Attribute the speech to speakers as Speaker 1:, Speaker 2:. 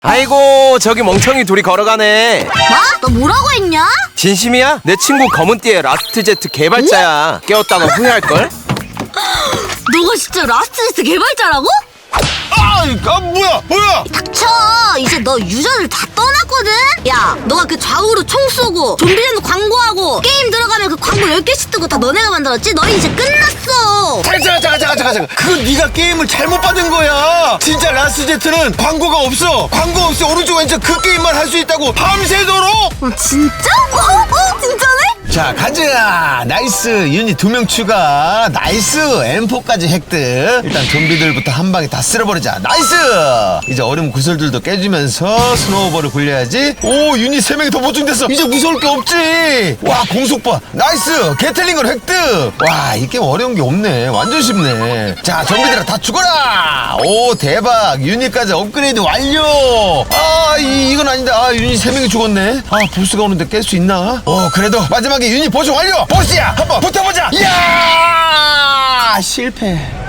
Speaker 1: 아이고 저기 멍청이 둘이 걸어가네.
Speaker 2: 뭐? 너 뭐라고 했냐?
Speaker 1: 진심이야? 내 친구 검은띠의 라스트제트 개발자야. 깨웠다가 후회할걸?
Speaker 2: 너가 진짜 라스트제트 개발자라고?
Speaker 3: 뭐야?
Speaker 2: 닥쳐! 이제 너 유저들 다 떠났거든? 야, 너가 그 좌우로 총 쏘고 좀비랜드 광고하고 게임 들어가면 그 광고 10개씩 뜨고 다 너네가 만들었지? 너희 이제 끝났어!
Speaker 3: 잠깐. 그건 네가 게임을 잘못 받은 거야. 진짜 라스제트는 광고가 없어. 광고 없이 오른쪽 왼쪽 그 게임만 할 수 있다고 밤새도록.
Speaker 2: 진짜? 진짜네?
Speaker 3: 자, 가자. 나이스. 유닛 2명 추가. 나이스. M4까지 획득. 일단 좀비들부터 한 방에 다 쓸어버리자. 나이스. 이제 얼음 구슬들도 깨주면서 스노우볼을 굴려야지. 오, 유닛 3명이 더 보충됐어. 이제 무서울 게 없지. 와, 공속바. 나이스. 게틀링을 획득. 와, 이 게임 어려운 게 없네. 완전 쉽네. 자, 좀비들아 다 죽어라. 오, 대박. 유닛까지 업그레이드 완료. 이건 아닌데. 유닛 3명이 죽었네. 보스가 오는데 깰 수 있나? 그래도 마지막에 유닛 보충 완료. 보스야, 한번 붙어보자. 이야, 실패.